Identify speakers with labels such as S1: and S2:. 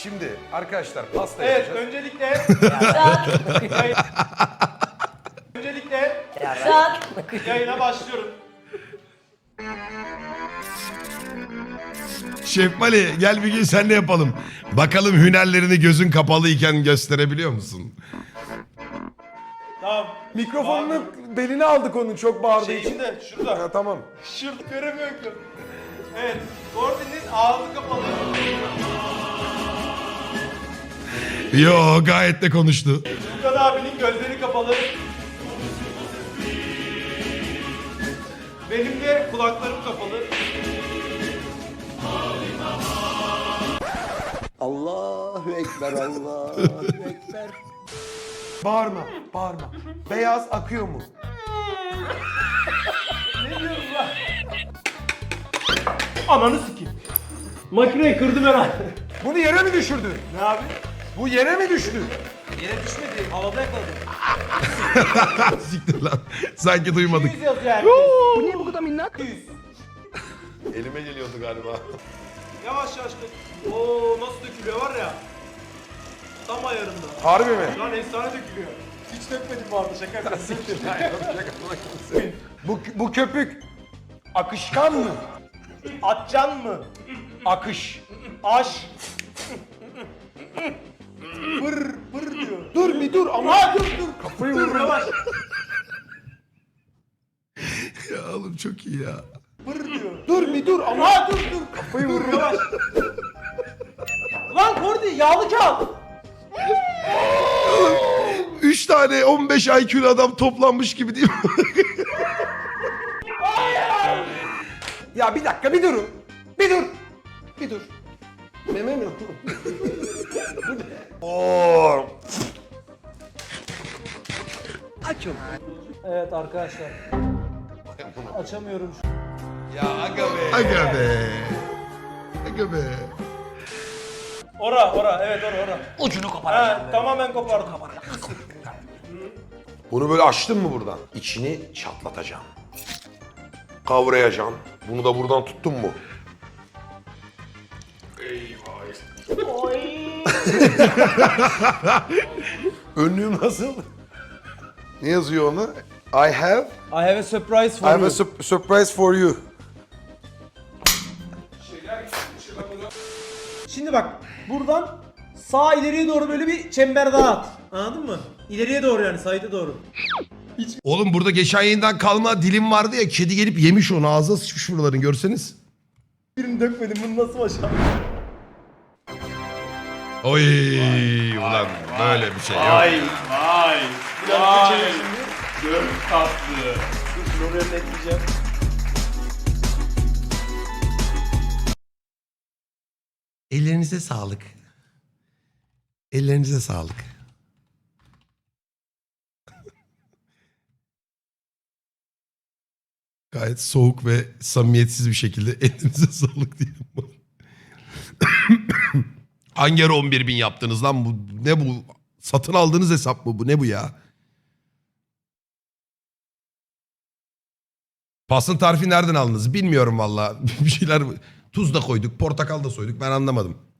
S1: Şimdi arkadaşlar pasta
S2: Evet,
S1: yapacağız.
S2: öncelikle yayına başlıyorum.
S3: Şef Mali gel bir gün seninle yapalım. Bakalım hünerlerini gözün kapalıyken gösterebiliyor musun?
S2: Tamam.
S1: Mikrofonunu beline aldık onun çok bağırdığı için.
S2: içinde, şurada.
S1: Ha, tamam.
S2: Şurada göremiyorum ki. Evet, Gordon'un ağzı kapalı.
S3: Yo gayet de konuştu.
S2: Furkan abinin gözleri kapalı. Benim de kulaklarım kapalı.
S4: Allahu Ekber, Allahu Ekber.
S1: Bağırma, bağırma. Beyaz akıyor mu?
S2: Ne diyorsun lan? Ananı sikeyim. Makineyi kırdım herhalde.
S1: Bunu yere mi düşürdün?
S2: Ne abi?
S1: Bu yere mi düştü?
S2: Yere düşmedi, havada yakaladım.
S3: Siktir lan. Sanki duymadık.
S2: 100 yazıyor herkes.
S4: Bu niye bu kadar minnak?
S2: 100.
S1: Elime geliyordu galiba.
S2: Yavaş yavaş dök. Oo nasıl dökülüyor var ya. Tam ayarında.
S1: Harbi mi?
S2: Şu an efsane dökülüyor. Hiç dökmedim bu arada şaka yapıyorum.
S1: Bu köpük akışkan mı?
S2: Atcan mı?
S1: Akış.
S2: Aş. Pır pır diyor.
S1: Dur bir dur ama.
S2: Aa dur dur.
S1: Kafayı
S2: Dur
S1: vururum.
S2: yavaş.
S3: Ya oğlum çok iyi ya.
S2: Pır diyor.
S1: Dur bir dur ama.
S2: Aa dur dur.
S1: Kafayı vururum.
S2: Yavaş. Lan Kordi yağlı kağıt.
S3: 3 tane 15 IQ'lu adam toplanmış gibi değil mi?
S1: Ya bir dakika bir durun. Bir dur. Bir dur. Meme mi? Oo.
S4: Açım.
S2: Evet arkadaşlar. Açamıyorum.
S1: Ya aga be.
S3: Aga be. Aga be.
S2: Ora evet ora.
S4: Ucunu koparacağım.
S2: Ha, tamamen kopardım.
S1: Bunu böyle açtın mı buradan? İçini çatlatacağım. Kavrayacağım. Bunu da buradan tuttun mu?
S2: Oy.
S1: Önlüğüm nasıl? Ne yazıyor ona? I have
S2: I have a surprise
S1: I
S2: for
S1: have
S2: you.
S1: a surprise for you.
S2: Şimdi bak buradan sağ ileriye doğru böyle bir çember daha at. Anladın mı? İleriye doğru yani sayıda doğru.
S3: Oğlum burada geçen yayından kalma dilim vardı ya. Kedi gelip yemiş onu. Ağzına sıçmış buraların görseniz.
S2: Birini dökmedim bunu nasıl başardın?
S3: Oy ulan böyle bir şey yok.
S5: Vay.
S2: Biraz geçelim şimdi.
S5: Çok tatlı.
S2: Dur oraya da ekleyeceğim.
S3: Ellerinize sağlık. Ellerinize sağlık. Gayet soğuk ve samimiyetsiz bir şekilde elinize sağlık diyelim. Hangi ara 11.000 yaptınız lan? Bu ne bu? Satın aldığınız hesap mı bu? Ne bu ya? Pasın tarifi nereden aldınız? Bilmiyorum valla. Bir şeyler tuz da koyduk, portakal da soyduk. Ben anlamadım.